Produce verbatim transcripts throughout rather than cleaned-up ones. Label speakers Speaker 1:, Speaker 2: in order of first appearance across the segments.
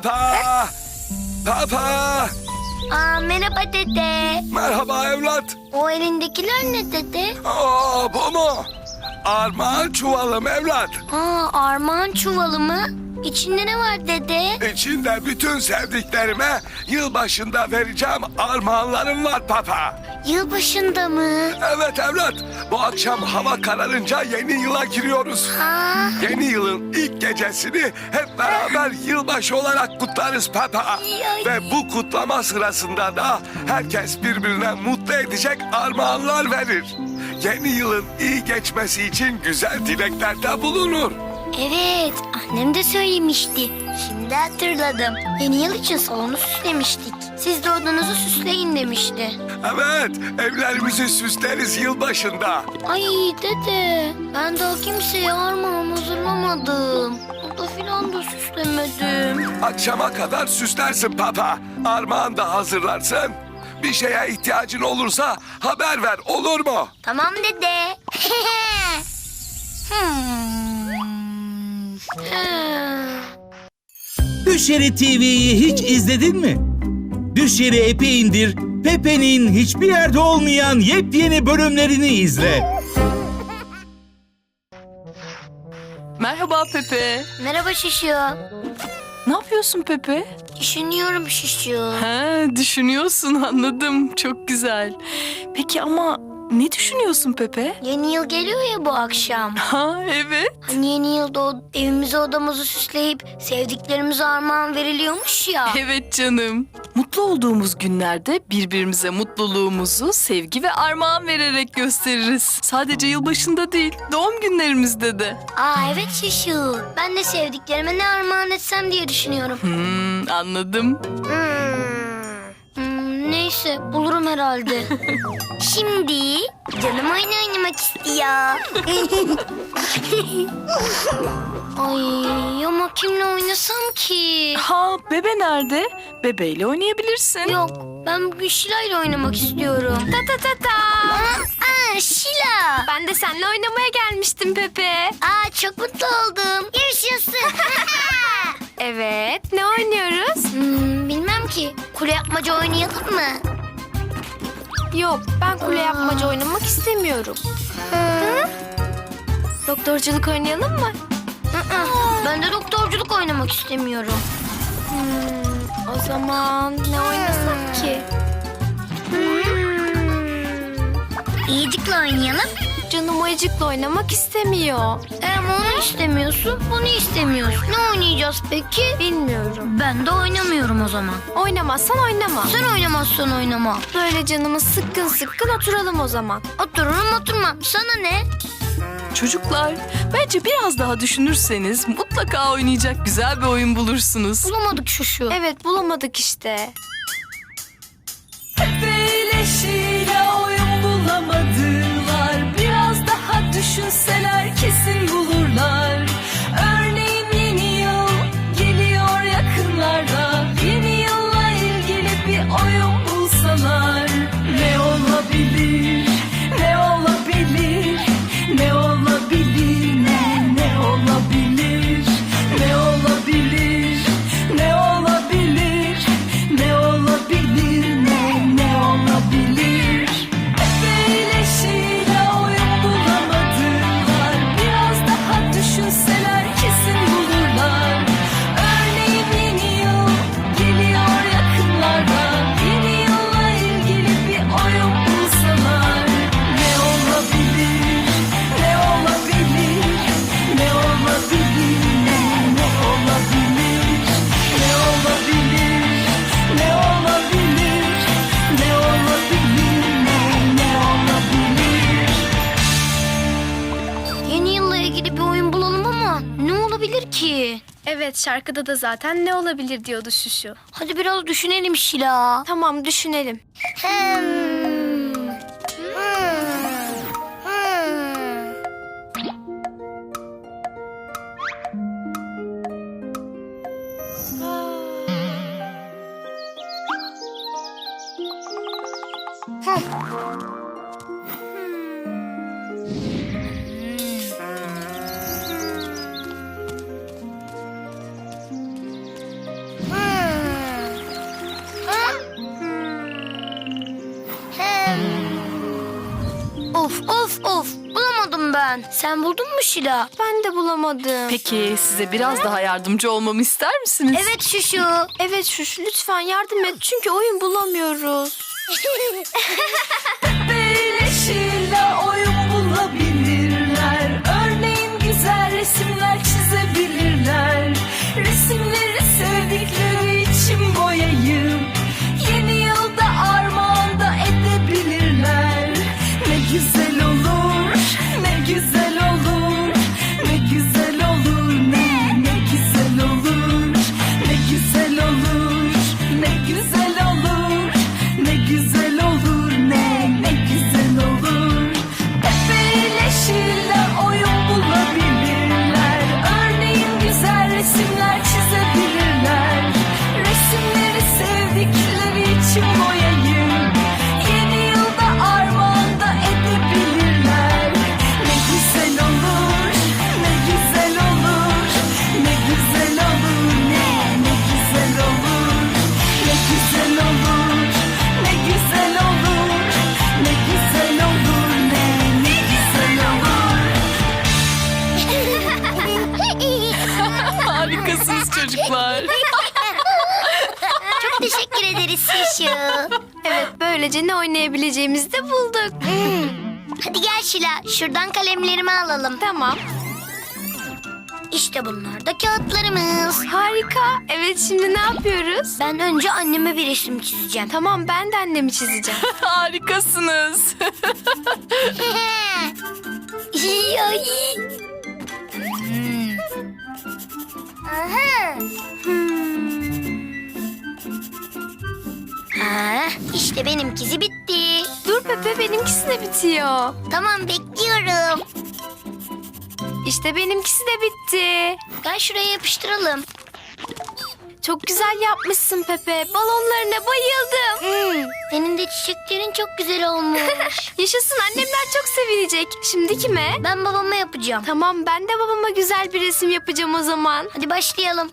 Speaker 1: Papa! Papa!
Speaker 2: Aa, merhaba dede.
Speaker 1: Merhaba evlat.
Speaker 2: O elindekiler ne dede?
Speaker 1: Aa, bu mu? Armağan çuvalım evlat.
Speaker 2: Aa, armağan çuvalı mı? İçinde ne var dede?
Speaker 1: İçinde bütün sevdiklerime yılbaşında vereceğim armağanlarım var papa.
Speaker 2: Yılbaşında mı?
Speaker 1: Evet evlat. Bu akşam hava kararınca yeni yıla giriyoruz.
Speaker 2: Aa,
Speaker 1: Yeni yılın ilk gecesini hep beraber yılbaşı olarak kutlarız papa.
Speaker 2: Yay.
Speaker 1: Ve bu kutlama sırasında da herkes birbirine mutlu edecek armağanlar verir. Yeni yılın iyi geçmesi için güzel dileklerde bulunur.
Speaker 2: evet, annem de söylemişti. Şimdi hatırladım. Yeni yıl için salonu süslemiştik. Siz de odanızı süsleyin demişti.
Speaker 1: Evet, evlerimizi süsleriz yılbaşında.
Speaker 2: Ay dede, ben daha kimseye armağan hazırlamadım. Oda filan da süslemedim.
Speaker 1: Akşama kadar süslersin papa. Armağan da hazırlarsın. Bir şeye ihtiyacın olursa haber ver, olur mu?
Speaker 2: Tamam dede. hmm. Ha.
Speaker 3: Düşeri T V'yi hiç izledin mi? Düşeri app'i indir, Pepe'nin hiçbir yerde olmayan yepyeni bölümlerini izle.
Speaker 4: Merhaba Pepe.
Speaker 2: Merhaba Şişu.
Speaker 4: Ne yapıyorsun Pepe?
Speaker 2: Düşünüyorum Şişu.
Speaker 4: Ha, düşünüyorsun, anladım. Çok güzel. Peki ama ne düşünüyorsun Pepe?
Speaker 2: Yeni yıl geliyor ya bu akşam.
Speaker 4: Ha, evet.
Speaker 2: Hani yeni yılda o evimizi odamızı süsleyip sevdiklerimize armağan veriliyormuş ya.
Speaker 4: Evet canım. Mutlu olduğumuz günlerde birbirimize mutluluğumuzu sevgi ve armağan vererek gösteririz. Sadece yılbaşında değil, doğum günlerimizde de.
Speaker 2: Aa evet Şişu. Ben de sevdiklerime ne armağan etsem diye düşünüyorum.
Speaker 4: Hmm, anladım.
Speaker 2: Hmm. Hmm, neyse bulurum herhalde. Şimdi canım oyun oynamak istiyor. Ay ama kimle oynasam ki?
Speaker 4: Ha, Bebe nerede? Bebeyle oynayabilirsin.
Speaker 2: Yok ben bugün Şila ile oynamak istiyorum. Ta ta ta ta. Aa, aa Şila.
Speaker 5: Ben de seninle oynamaya gelmiştim Pepe.
Speaker 2: Aa çok mutlu oldum. Yaşasın.
Speaker 5: Evet, ne oynuyoruz?
Speaker 2: hmm, bilmem ki. Kule yapmaca oynayalım mı?
Speaker 5: Yok, ben kule yapmaca oynamak istemiyorum.
Speaker 2: Hı?
Speaker 5: Doktorculuk oynayalım mı?
Speaker 2: Hı-hı. Ben de doktorculuk oynamak istemiyorum.
Speaker 5: Hmm, o zaman ne oynasak ki?
Speaker 2: İyicikle oynayalım.
Speaker 5: Canım ayıcıkla oynamak istemiyor.
Speaker 2: E ama onu istemiyorsun, bunu istemiyorsun. Ne oynayacağız peki?
Speaker 5: Bilmiyorum.
Speaker 2: Ben de oynamıyorum o zaman.
Speaker 5: Oynamazsan oynama.
Speaker 2: Sen oynamazsan oynama.
Speaker 5: Böyle canımız sıkkın sıkkın oturalım o zaman.
Speaker 2: Otururum oturmam. Sana ne?
Speaker 4: Çocuklar, bence biraz daha düşünürseniz mutlaka oynayacak güzel bir oyun bulursunuz.
Speaker 2: Bulamadık şu şu.
Speaker 5: Evet, bulamadık işte.
Speaker 6: Beyleşiyle oyun bulamadılar. Biraz daha düşünseler kesin bulurlar. Örneğin yeni yıl geliyor yakınlarda. Yeni yılla ilgili bir oyun bulsalar. Ne olabilir? Ne olabilir? Ne olabilir? Ne ne olabilir? Ne olabilir? Ne olabilir? Ne olabilir? Ne ne olabilir? Beyleşiyle oyun bulamadılar. Biraz daha düşünseler kesin bulurlar. Örneğin yeni yıl geliyor yakınlarda. Yeni yılla ilgili bir oyun bulsalar. Ne olabilir? Ne olabilir? Ne olabilir? Ne ne olabilir? Ne olabilir? Ne olabilir? Ne olabilir? Ne ne olabilir?
Speaker 2: Yeni yılla ilgili bir oyun bulalım ama ne olabilir ki?
Speaker 5: Evet, şarkıda da zaten ne olabilir diyordu Şuşu.
Speaker 2: Hadi biraz düşünelim Şila.
Speaker 5: Tamam, düşünelim.
Speaker 2: Hmm. Hmm. Hmm. Of of of. Bulamadım ben. Sen buldun mu Şila?
Speaker 5: Ben de bulamadım.
Speaker 4: Peki size biraz daha yardımcı olmamı ister misiniz?
Speaker 2: Evet Şuşu.
Speaker 5: Evet Şuş, lütfen yardım et çünkü oyun bulamıyoruz.
Speaker 6: Böyle Şila oyun bulabilirler. Örneğin güzel resimler çizebilirler. Resimleri sevdikleri için boyayıp yeni yılda armağan da edebilirler. Ne güzel olur, ne güzel olur, ne güzel olur, ne ne güzel olur, ne güzel olur, ne güzel olur, ne güzel olur, ne ne güzel olur. Pepe ile Şila oyun bulabilirler. Örneğin güzel resimler çizebilirler. Resimleri sevdikleri için boyayıp yeni yılda armağan da edebilirler. Ne güzel olur, ne güzel olur, ne güzel olur, ne ne güzel olur, ne güzel olur, ne güzel olur, ne güzel olur, ne ne güzel olur.
Speaker 4: Harikasınız çocuklar.
Speaker 2: Çok teşekkür ederiz Şuşu.
Speaker 5: Evet, böylece ne oynayabileceğimizi de bulduk.
Speaker 2: Hadi gel Şila. Şuradan kalemlerimi alalım.
Speaker 5: Tamam.
Speaker 2: İşte bunlar da kağıtlarımız.
Speaker 5: Harika. Evet, şimdi ne yapıyoruz?
Speaker 2: Ben önce anneme bir resim çizeceğim.
Speaker 5: Tamam, ben de annemi çizeceğim.
Speaker 4: Harikasınız.
Speaker 2: Ay. Hmm. Aha. Ha, işte benimkisi bitti.
Speaker 5: Dur Pepe, benimkisi de bitiyor.
Speaker 2: Tamam bekliyorum.
Speaker 5: İşte benimkisi de bitti.
Speaker 2: Gel şuraya yapıştıralım.
Speaker 5: Çok güzel yapmışsın Pepe. Balonlarına bayıldım.
Speaker 2: Hmm, senin de çiçeklerin çok güzel olmuş.
Speaker 5: Yaşasın, annemler çok sevinecek. Şimdi kime?
Speaker 2: Ben babama yapacağım.
Speaker 5: Tamam, ben de babama güzel bir resim yapacağım o zaman.
Speaker 2: Hadi başlayalım.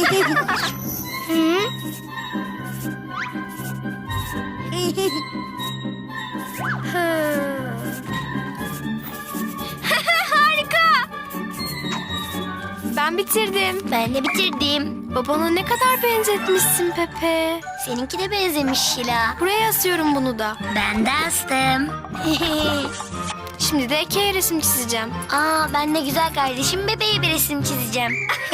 Speaker 5: Harika. Ben bitirdim.
Speaker 2: Ben de bitirdim.
Speaker 5: Babana ne kadar benzetmişsin Pepe.
Speaker 2: Seninki de benzemiş Şila.
Speaker 5: Buraya asıyorum bunu da.
Speaker 2: Ben de astım.
Speaker 5: Şimdi de Eke'ye resim çizeceğim.
Speaker 2: Aa, ben de güzel kardeşim bebeğe bir resim çizeceğim.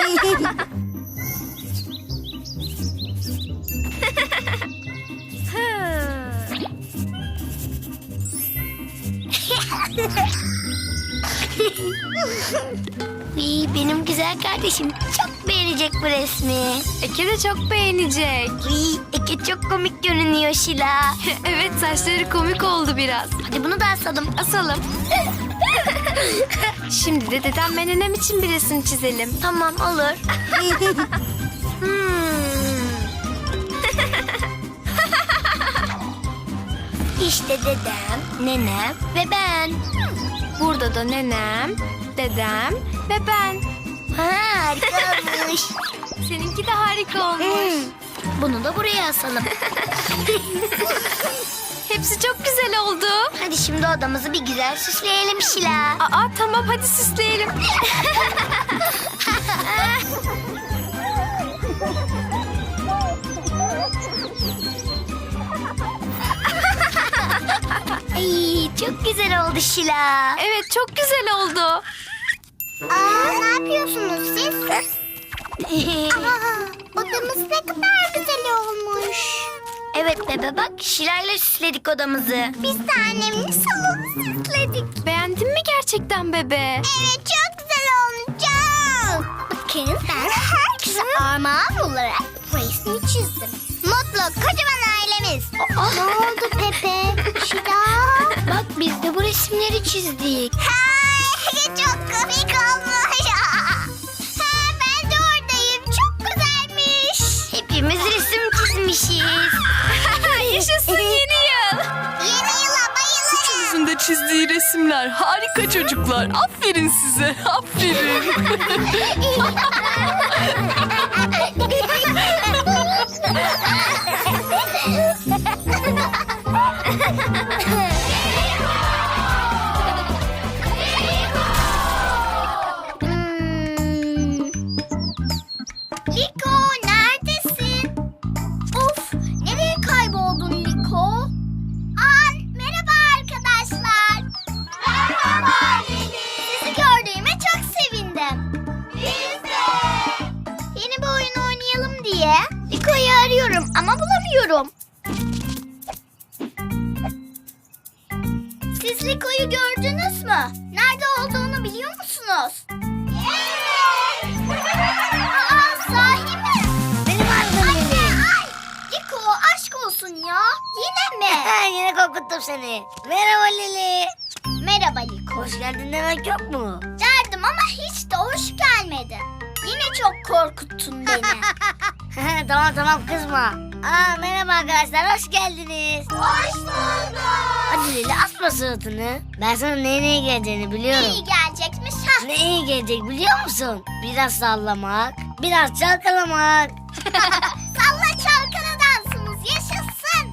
Speaker 2: Uy, benim güzel kardeşim çok beğenecek bu resmi.
Speaker 5: Eke de çok beğenecek.
Speaker 2: Uy, Eke çok komik görünüyor Şila.
Speaker 5: Evet, saçları komik oldu biraz.
Speaker 2: Hadi bunu da asalım.
Speaker 5: Asalım. Şimdi de dedem ve nenem için bir resim çizelim.
Speaker 2: Tamam olur. Hmm. İşte dedem, nenem ve ben.
Speaker 5: Burada da nenem, dedem ve ben.
Speaker 2: Ha, harika olmuş.
Speaker 5: Seninki de harika olmuş.
Speaker 2: Hmm. Bunu da buraya asalım.
Speaker 5: Hepsi çok güzel oldu.
Speaker 2: Hadi şimdi odamızı bir güzel süsleyelim Şila.
Speaker 5: Aa, tamam, hadi süsleyelim.
Speaker 2: Ay, çok güzel oldu Şila.
Speaker 5: Evet, çok güzel oldu.
Speaker 2: Aa, ne yapıyorsunuz siz? Aa, odamız ne kadar güzel olmuş. Evet bebe bak, Şila ile süsledik odamızı. Biz de annemle salonu süsledik.
Speaker 5: Beğendin mi gerçekten bebe?
Speaker 2: Evet, çok güzel olmuş. Bakın, ben herkese armağan olarak bu resmi çizdim. Mutlu kocaman ailemiz. Ne oldu Pepe? Şila? Bak, biz de bu resimleri çizdik. Çok komik olmuş. Ha, ben de oradayım. Çok güzelmiş. Hepimiz resim çizmişiz.
Speaker 5: Yaşasın yeni yıl.
Speaker 2: Yeni yıla bayılırım.
Speaker 4: Üçünüzün de çizdiği resimler harika çocuklar. Aferin size. Aferin.
Speaker 2: Gördünüz mü? Nerede olduğunu biliyor musunuz? Evet. Aa, sahi mi? Benim adım Anne, ay. Liko, aşk olsun ya. Yine mi?
Speaker 7: Yine korkuttum seni. Merhaba Lili.
Speaker 2: Merhaba Liko.
Speaker 7: Hoş geldin demek yok mu?
Speaker 2: Derdim ama hiç de hoş gelmedi. Yine çok korkuttun beni.
Speaker 7: Tamam tamam kızma. Aa, merhaba arkadaşlar, hoş geldiniz.
Speaker 2: Hoş bulduk.
Speaker 7: Hadi Lili, asma suratını. Ben sana neye neye geleceğini biliyorum.
Speaker 2: İyi gelecekmiş. Ha.
Speaker 7: Ne iyi gelecek biliyor musun? Biraz sallamak, biraz çalkalamak.
Speaker 2: Salla çalkala dansımız yaşasın.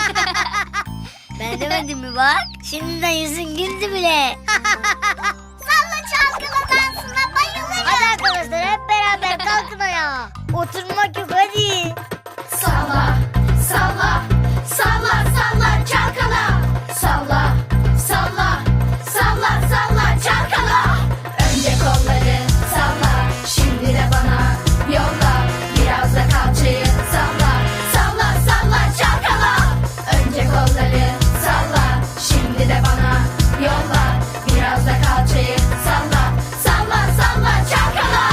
Speaker 7: Ben demedim mi bak? Şimdiden yüzün güldü bile.
Speaker 2: Salla çalkala dansına bayılırım.
Speaker 7: Hadi arkadaşlar, hep beraber kalkın ayağa. Oturmak yok, hadi.
Speaker 6: Salla, salla, salla, salla, çalkala. Salla, salla, salla, salla, çalkala. Önce kolları salla, şimdi de bana yolla. Biraz da kalçayı salla, salla, salla, çalkala. Önce kolları salla, şimdi de bana yolla. Biraz da kalçayı salla, salla, salla, çalkala.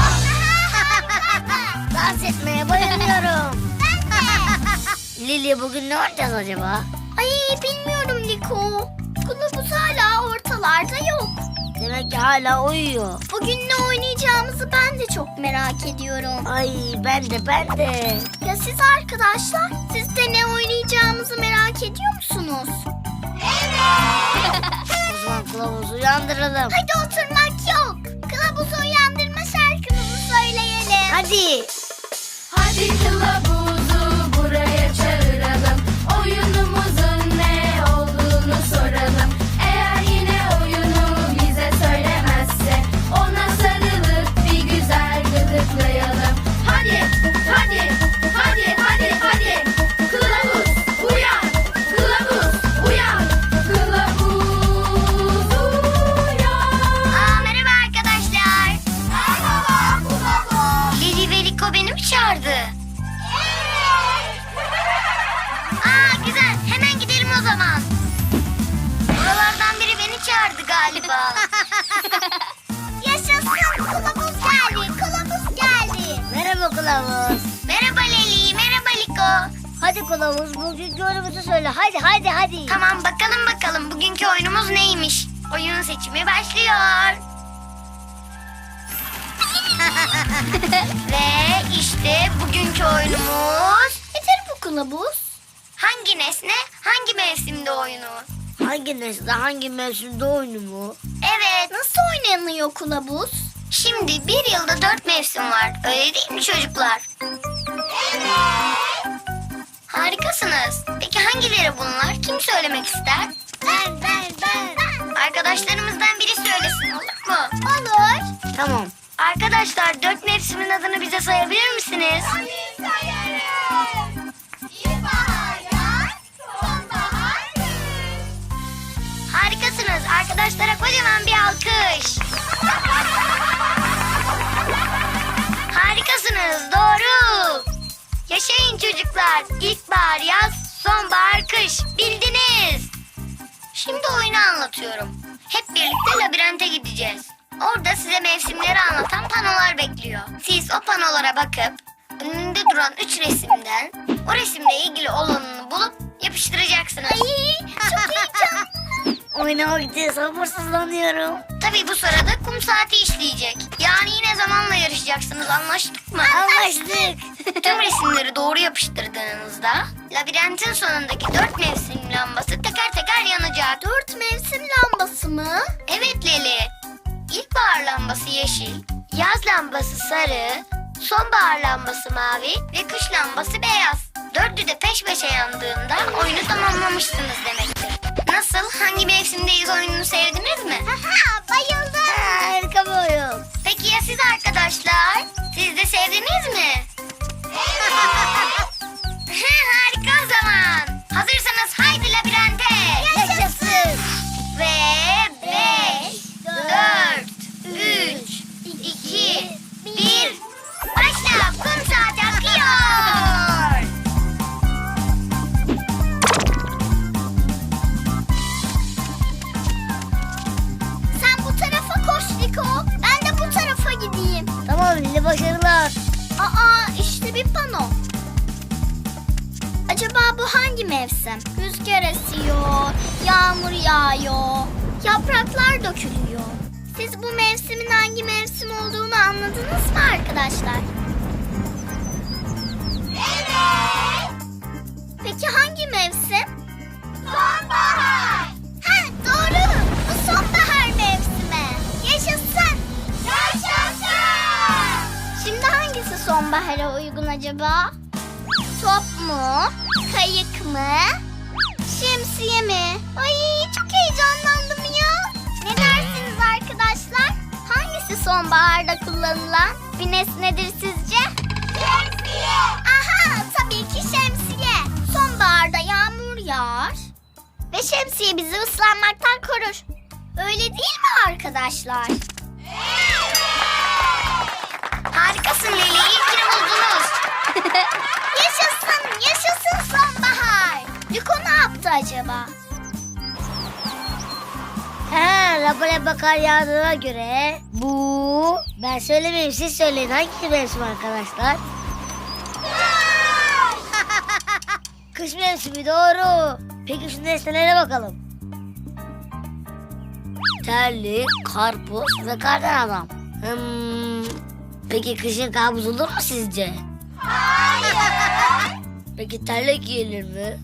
Speaker 7: Dans etmeye bayılıyorum. Lili, bugün ne oynayacağız acaba?
Speaker 2: Ay bilmiyorum Liko. Kılavuz hala ortalarda yok.
Speaker 7: Demek ki hala uyuyor.
Speaker 2: Bugün ne oynayacağımızı ben de çok merak ediyorum.
Speaker 7: Ay, ben de ben de.
Speaker 2: Ya siz arkadaşlar, siz de ne oynayacağımızı merak ediyor musunuz? Evet.
Speaker 7: O zaman kılavuzu uyandıralım.
Speaker 2: Hadi oturmak yok. Kılavuzu uyandırma şarkımızı söyleyelim.
Speaker 7: Hadi.
Speaker 6: Hadi kılavuzu buraya çağıralım. Oyunumuzun ne olduğunu soralım. Eğer yine oyunu bize söylemezse ona sarılıp bir güzel gıdıklayalım. Hadi, hadi, hadi, hadi, hadi. Kılavuz uyan, kılavuz uyan, kılavuz uyan.
Speaker 2: Aa, merhaba arkadaşlar. Merhaba kılavuz. Lili ve Liko beni mi çağırdı? Evet. Aa, güzel. Hemen gidelim o zaman. Buralardan biri beni çağırdı galiba. Yaşasın. Kılavuz geldi. Kılavuz geldi.
Speaker 7: Merhaba kılavuz.
Speaker 2: Merhaba Leli. Merhaba Liko.
Speaker 7: Hadi kılavuz, bugünkü oyunumuzu söyle. Hadi hadi hadi.
Speaker 2: Tamam bakalım bakalım bugünkü oyunumuz neymiş? Oyun seçimi başlıyor. Ve işte bugünkü oyunumuz... Nedir bu kılavuz? Hangi nesne hangi mevsimde oyunu?
Speaker 7: Hangi nesne hangi mevsimde oyunu mu?
Speaker 2: Evet, nasıl oynanıyor kılavuz? Şimdi bir yılda dört mevsim var. Öyle değil mi çocuklar? Evet. Harikasınız. Peki hangileri bunlar? Kim söylemek ister?
Speaker 7: Ben ben ben.
Speaker 2: Arkadaşlarımızdan biri söylesin, olur mu? Olur.
Speaker 7: Tamam.
Speaker 2: Arkadaşlar dört mevsimin adını bize sayabilir misiniz? Tabii sayarım. İlkbahar, yaz, sonbahar, kış. Harikasınız. Arkadaşlara kocaman bir alkış. Harikasınız. Doğru. Yaşayın çocuklar. İlkbahar, yaz, sonbahar, kış. Bildiniz. Şimdi oyunu anlatıyorum. Hep birlikte labirente gideceğiz. Orada size mevsimleri anlatan panolar bekliyor. Siz o panolara bakıp önünde duran üç resimden o resimle ilgili olanını bulup yapıştıracaksınız. Ay, çok heyecanlı.
Speaker 7: Oynamak için sabırsızlanıyorum.
Speaker 2: Tabii bu sırada kum saati işleyecek. Yani yine zamanla yarışacaksınız, anlaştık mı?
Speaker 7: Anlaştık.
Speaker 2: Tüm resimleri doğru yapıştırdığınızda labirentin sonundaki dört mevsim lambası teker teker yanacak. Dört mevsim lambası mı? Evet Leli. İlkbahar lambası yeşil, yaz lambası sarı, sonbahar lambası mavi ve kış lambası beyaz. Dördü de peş peşe yandığında oyunu tamamlamışsınız demektir. Nasıl? Hangi mevsimdeyiz oyununu sevdiniz mi? Bayıldım.
Speaker 7: Harika bir oyun.
Speaker 2: Peki ya siz arkadaşlar? Siz de sevdiniz mi? Evet. Harika o zaman. Hazırsanız haydi labirente.
Speaker 7: Yaşasın.
Speaker 2: Ve beş, dört, üç, iki, bir. Başla. Kum saati akıyor.
Speaker 7: başarılar.
Speaker 2: Aa, işte bir pano. Acaba bu hangi mevsim? Rüzgar esiyor, yağmur yağıyor, yapraklar dökülüyor. Siz bu mevsimin hangi mevsim olduğunu anladınız mı arkadaşlar? Evet. Peki hangi mevsim? Sonbahar. Ha, doğru. Bu sonbahar mevsimi. Yaşasın. Yaşasın. Şimdi hangisi sonbahara uygun acaba? Top mu? Kayık mı? Şemsiye mi? Ay, çok heyecanlandım ya. Ne dersiniz arkadaşlar? Hangisi sonbaharda kullanılan bir nesnedir sizce? Şemsiye. Aha, tabii ki şemsiye. Sonbaharda yağmur yağar ve şemsiye bizi ıslanmaktan korur. Öyle değil mi arkadaşlar? Harikasın Leli, iyi ki buldunuz. Yaşasın, yaşasın sonbahar. Liko ne yaptı acaba?
Speaker 7: He, lapa lapa kar yağdığına göre bu... Ben söylemeyeyim, siz söyleyin. Hangi mevsim arkadaşlar? Kış mevsimi, doğru. Peki şu nesnelere bakalım. Terlik, karpuz ve kardan adam. Hmm, peki kışın kabus olur mu sizce?
Speaker 2: Hayır.
Speaker 7: Peki terlik giyilir mi?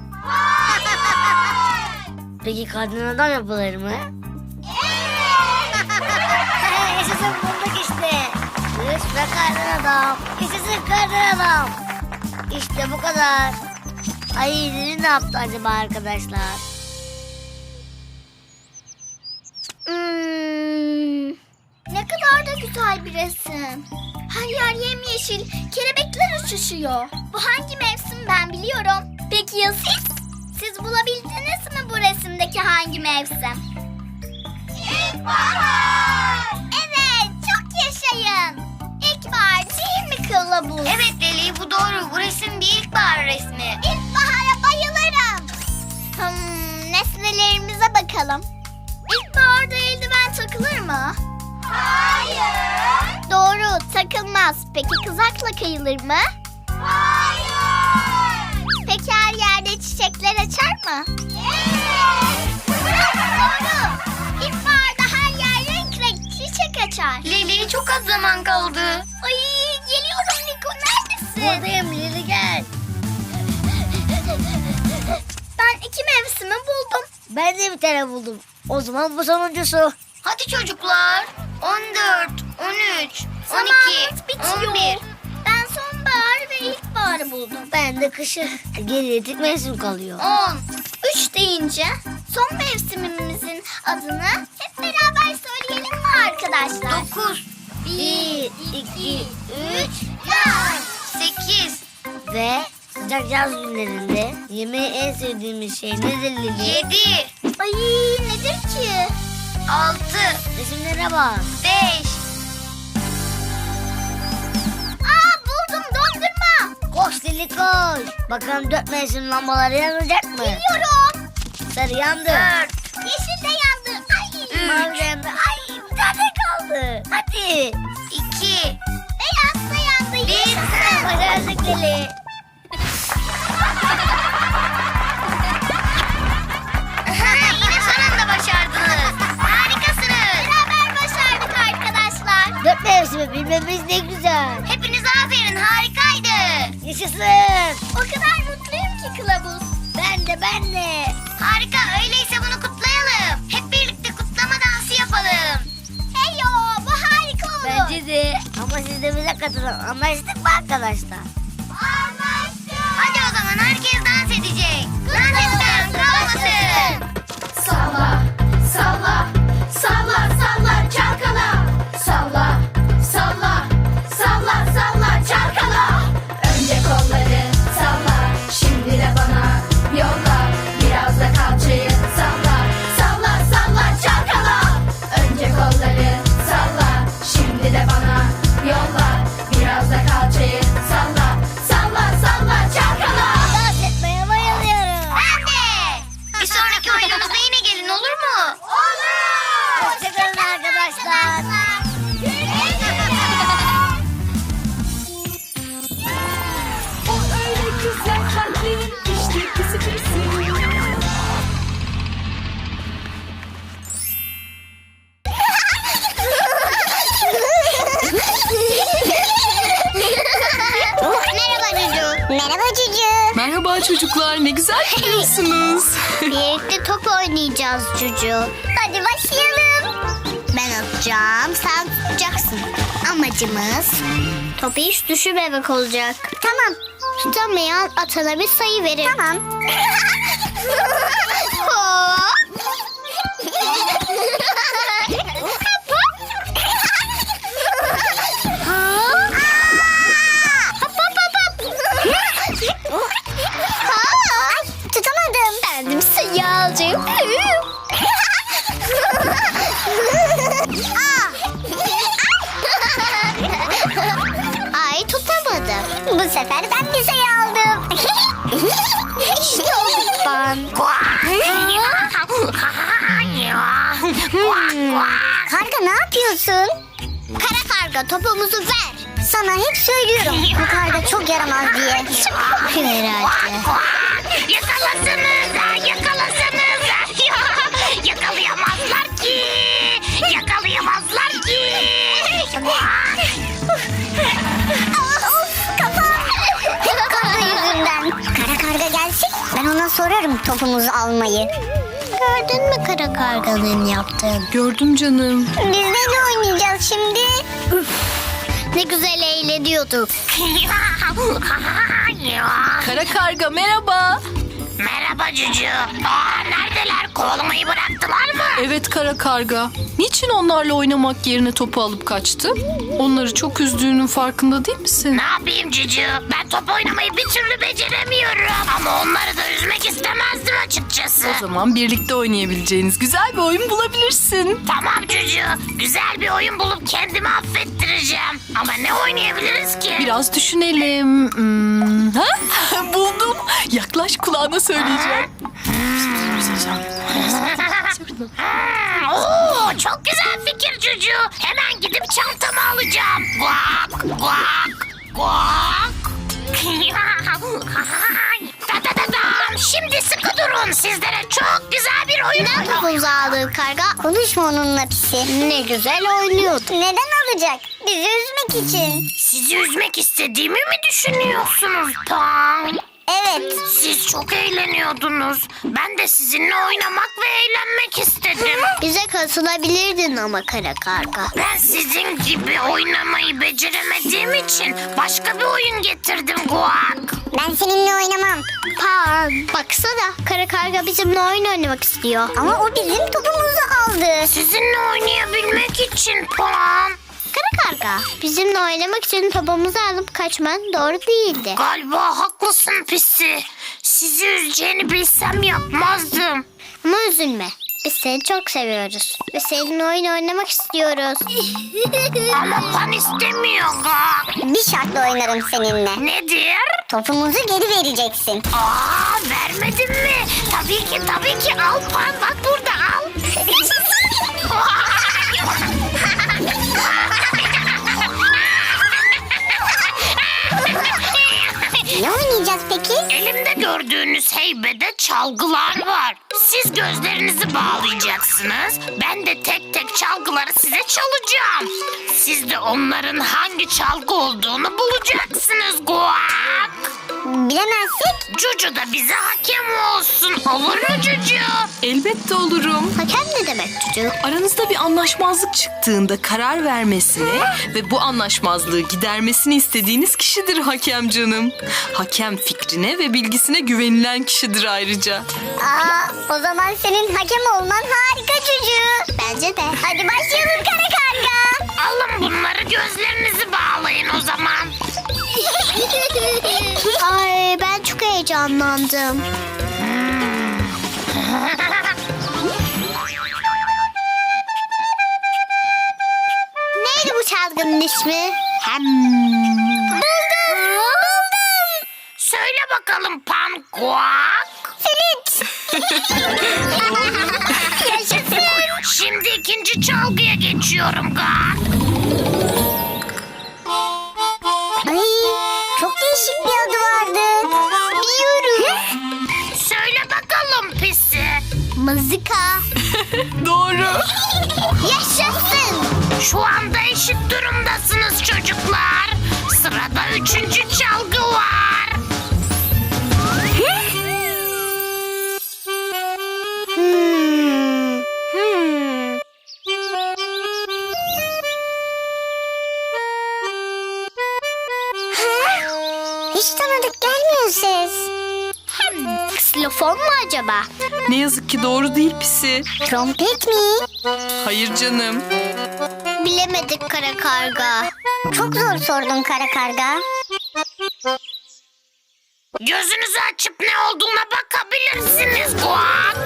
Speaker 7: Peki kardan adam yapılır mı?
Speaker 2: Evet.
Speaker 7: Yaşasın, bulduk işte. Kış ve kardan adam. Yaşasın kardan adam. İşte bu kadar. Ay, Lili ne yaptı acaba arkadaşlar?
Speaker 2: Hmm, ne kadar da güzel bir resim. Her yer yemyeşil, kelebekler uçuşuyor. Bu hangi mevsim ben biliyorum. Peki ya siz? Siz bulabildiniz mi bu resimdeki hangi mevsim? İlkbahar. Evet, çok yaşayın. İlkbahar değil mi kılavuz?
Speaker 7: Evet Leli, bu doğru. Bu resim bir ilkbahar resmi.
Speaker 2: İlkbahara bayılırım. Hmm, nesnelerimize bakalım. İlkbaharda eldiven takılır mı? Hayır. Doğru, takılmaz. Peki kızakla kayılır mı? Hayır. Peki her yerde çiçekler açar mı? Evet. Doğru. İlkbaharda her yer renk renk çiçek açar.
Speaker 7: Leli, çok az zaman kaldı.
Speaker 2: Ay, geliyorum Liko, neredesin?
Speaker 7: Buradayım Leli, gel.
Speaker 2: Ben iki mevsimi buldum.
Speaker 7: Ben de bir tane buldum. O zaman bu sonuncusu. Hadi çocuklar. on dört, on üç, on iki,
Speaker 2: Zamanımız bitiyor.
Speaker 7: on bir.
Speaker 2: Ben sonbahar ve ilkbaharı buldum.
Speaker 7: Ben de kışı. Geriye tek mevsim kalıyor.
Speaker 2: On. Üç deyince son mevsimimizin adını hep beraber söyleyelim mi arkadaşlar?
Speaker 7: dokuz, bir, iki, üç,
Speaker 2: Yaz.
Speaker 7: sekiz. Ve sıcak yaz günlerinde yemeği en sevdiğimiz şey nedir Lili? yedi,
Speaker 2: Ay, nedir ki?
Speaker 7: altı. Resimlere bak. beş.
Speaker 2: Aa, buldum, dondurma.
Speaker 7: Koş Lili koş. Bakalım dört mevsim lambaları yanacak mı?
Speaker 2: Biliyorum.
Speaker 7: Sarı yandı. dört.
Speaker 2: Yeşil de yandı. Ay.
Speaker 7: Mavi yandı. Ay, bir tane kaldı. Hadi. iki.
Speaker 2: Beyaz da yandı.
Speaker 7: Bir.
Speaker 2: Yaşasın.
Speaker 7: Başardık Lili. Yine son anda başardınız. Harikasınız.
Speaker 2: Beraber başardık arkadaşlar.
Speaker 7: Dört mevsimi bilmemiz ne güzel. Hepinize aferin, harikaydı. Yaşasın.
Speaker 2: O kadar mutluyum ki kılavuz.
Speaker 7: Ben de ben de. Harika, öyleyse bunu kutlayalım. Hep birlikte kutlama dansı yapalım.
Speaker 2: Heyo, bu harika olur.
Speaker 7: Bence de. Ama siz de bize katılın. Anlaştık mı arkadaşlar?
Speaker 2: Anlaştık.
Speaker 7: Hadi o zaman herkes dans edecek. Dans etmeyen kalmasın.
Speaker 6: Salla, salla, salla, salla, çalkala. Salla, salla, salla, salla, çalkala. Önce kolları salla, şimdi de bana yolla. Biraz da kalçayı salla, salla, salla, çalkala. Önce kolları salla, şimdi de bana yolla. Biraz da kalçayı salla, salla, salla, çalkala.
Speaker 7: Dans etmeye bayılıyorum.
Speaker 2: Ben de.
Speaker 7: Bir sonraki oyunumuzda yine gelin, olur mu?
Speaker 2: Olur.
Speaker 7: Hoşçakalın arkadaşlar.
Speaker 2: Güle güle.
Speaker 4: Merhaba çocuklar, ne güzel gidiyorsunuz.
Speaker 2: Birlikte top oynayacağız Cucu.
Speaker 7: Hadi başlayalım.
Speaker 2: Ben atacağım, sen tutacaksın. Amacımız topu hiç düşürmemek olacak.
Speaker 7: Tamam.
Speaker 2: Tutamayan atana bir sayı verir.
Speaker 7: Tamam.
Speaker 2: Hop.
Speaker 7: Ay, tutamadım.
Speaker 2: Kendim sayı alacağım. Ay tutamadım.
Speaker 7: Bu sefer ben bir sayı aldım.
Speaker 2: İşte o ben.
Speaker 7: Karga ne yapıyorsun?
Speaker 2: Kara karga topumuzu ver.
Speaker 7: Sana hep söylüyorum. Bu karga çok yaramaz diye.
Speaker 2: Herhalde.
Speaker 6: Yakalasanız, yakalasanız. Yakalayamazlar ki. Yakalayamazlar ki.
Speaker 7: Of kafam. Hep karga yüzünden. Kara karga gelsin. Ben ona sorarım topumuzu almayı.
Speaker 2: Gördün mü kara karganın yaptığını?
Speaker 4: Gördüm canım.
Speaker 7: Biz de ne oynayacağız şimdi?
Speaker 2: Ne güzel eğleniyorduk.
Speaker 4: Kara karga merhaba.
Speaker 6: Merhaba Cucu. Aa, neredeler? Kovalamayı bıraktılar mı?
Speaker 4: Evet kara karga. Niçin onlarla oynamak yerine topu alıp kaçtı? Onları çok üzdüğünün farkında değil misin?
Speaker 6: Ne yapayım Cucu? Ben top oynamayı bir türlü beceremiyorum. Ama onları da üzmek istemezdim açıkçası.
Speaker 4: O zaman birlikte oynayabileceğiniz güzel bir oyun bulabilirsin.
Speaker 6: Tamam Cucu. Güzel bir oyun bulup kendimi affettireceğim. Ama ne oynayabiliriz ki?
Speaker 4: Biraz düşünelim. Hmm, ha? Buldum. Yaklaş kulağına söyleyeceğim.
Speaker 6: Hmm, oo, çok güzel fikir Cucu. Hemen gidip çantamı alacağım. Guak, guak, guak. Da da da dam. Şimdi sıkı durun. Sizlere çok güzel bir oyun
Speaker 2: Neden topumuzu aldın karga?
Speaker 7: Konuşma onunla pisi.
Speaker 2: Ne güzel oynuyordu.
Speaker 7: Neden alacak? Bizi üzmek için.
Speaker 6: Sizi üzmek istediğimi mi düşünüyorsunuz Pan?
Speaker 7: Evet.
Speaker 6: Siz çok eğleniyordunuz. Ben de sizinle oynamak ve eğlenmek istedim.
Speaker 2: Bize katılabilirdin ama kara karga.
Speaker 6: Ben sizin gibi oynamayı beceremediğim için başka bir oyun getirdim Guak.
Speaker 7: Ben seninle oynamam.
Speaker 2: Pan, baksana kara karga bizimle oyun oynamak istiyor.
Speaker 7: Ama o bizim topumuzu aldı.
Speaker 6: Sizinle oynayabilmek için Pan.
Speaker 2: Kara karga, bizimle oynamak için topumuzu alıp kaçman doğru değildi.
Speaker 6: Galiba haklısın Pisi. Sizi üzeceğini bilsem yapmazdım.
Speaker 2: Ama üzülme. Biz seni çok seviyoruz. Ve seninle oyun oynamak istiyoruz.
Speaker 6: Ama Pan istemiyor Guak.
Speaker 7: Bir şartla oynarım seninle.
Speaker 6: Nedir?
Speaker 7: Topumuzu geri vereceksin.
Speaker 6: Aa, vermedin mi? Tabii ki tabii ki al Pan. Bak burada al.
Speaker 7: Ne oynayacağız peki?
Speaker 6: Elimde gördüğünüz heybede çalgılar var. Siz gözlerinizi bağlayacaksınız. Ben de tek tek çalgıları size çalacağım. Siz de onların hangi çalgı olduğunu bulacaksınız Guak.
Speaker 7: Bilemezsek
Speaker 6: Cucu da bize hakem olsun. Olur mu Cucu?
Speaker 4: Elbette olurum.
Speaker 2: Hakem ne demek çocuğum?
Speaker 4: Aranızda bir anlaşmazlık çıktığında karar vermesini ve bu anlaşmazlığı gidermesini istediğiniz kişidir hakem canım. Hakem fikrine ve bilgisine güvenilen kişidir ayrıca.
Speaker 7: Aa, o zaman senin hakem olman harika çocuğu.
Speaker 2: Bence de.
Speaker 7: Hadi başlayalım kara karga.
Speaker 6: Alın bunları, gözlerinizi bağlayın o zaman.
Speaker 2: Ay ben çok heyecanlandım. Neydi bu çalgının ismi?
Speaker 6: Söyle bakalım Pan Guak.
Speaker 7: Flüt.
Speaker 6: Yaşasın. Şimdi ikinci çalgıya geçiyorum Guak.
Speaker 7: Ay, çok değişik bir adı vardı.
Speaker 2: Biliyorum.
Speaker 6: Söyle bakalım Pisi.
Speaker 2: Mızıka.
Speaker 4: Doğru.
Speaker 2: Yaşasın.
Speaker 6: Şu anda eşit durumdasınız çocuklar. Sırada üçüncü çalgı var.
Speaker 2: Saksafon mu acaba?
Speaker 4: Ne yazık ki doğru değil Pisi.
Speaker 2: Trompet mi?
Speaker 4: Hayır canım.
Speaker 2: Bilemedik kara karga. Çok zor sordun kara karga.
Speaker 6: Gözünüzü açıp ne olduğuna bakabilirsiniz Guak.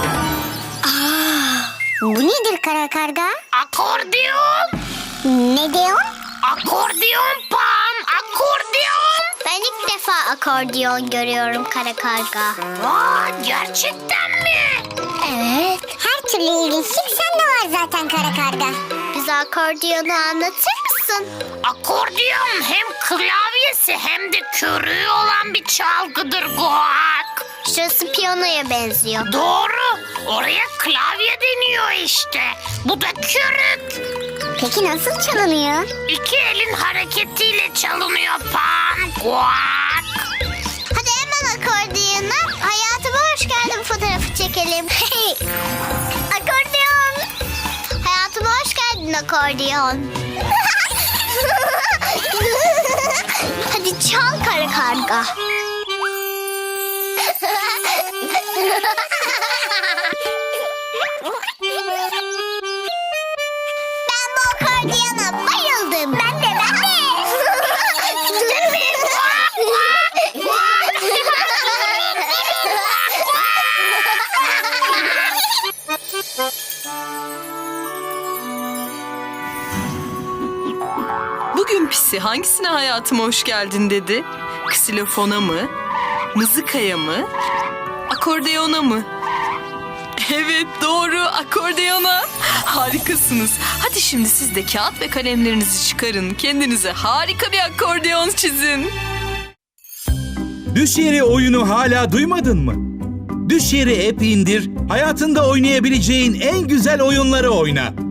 Speaker 2: Bu nedir kara karga?
Speaker 6: Akordeon.
Speaker 2: Ne diyorsun?
Speaker 6: Akordeon Pan. Akordeon.
Speaker 2: Ben ilk defa akordeon görüyorum kara karga.
Speaker 6: Aa, gerçekten mi?
Speaker 2: Evet. Her türlü ilginçlik sende var zaten kara karga. Bize akordiyonu anlatır mısın?
Speaker 6: Akordeon hem klavyesi hem de körüğü olan bir çalgıdır Guak.
Speaker 2: Şurası piyanoya benziyor.
Speaker 6: Doğru. Oraya klavye deniyor işte. Bu da körük.
Speaker 2: Peki nasıl çalınıyor?
Speaker 6: İki elin hareketiyle çalınıyor Pan. Guak.
Speaker 2: Hadi hemen akordiyona. Hayatıma hoş geldin fotoğrafı çekelim. Akordeon. Hayatıma hoş geldin akordeon. Hadi çal kara karga. Ben bu akordiyona bayıldım. Ben de ben de.
Speaker 4: Bugün Pisi hangisine hayatıma hoş geldin dedi? Ksilofona mı? Mızıkaya mı? Akordeona mı? Evet doğru, akordeona. Harikasınız. Hadi şimdi siz de kağıt ve kalemlerinizi çıkarın. Kendinize harika bir akordeon çizin.
Speaker 3: Düş Yeri oyunu hala duymadın mı? Düş Yeri app indir, hayatında oynayabileceğin en güzel oyunları oyna.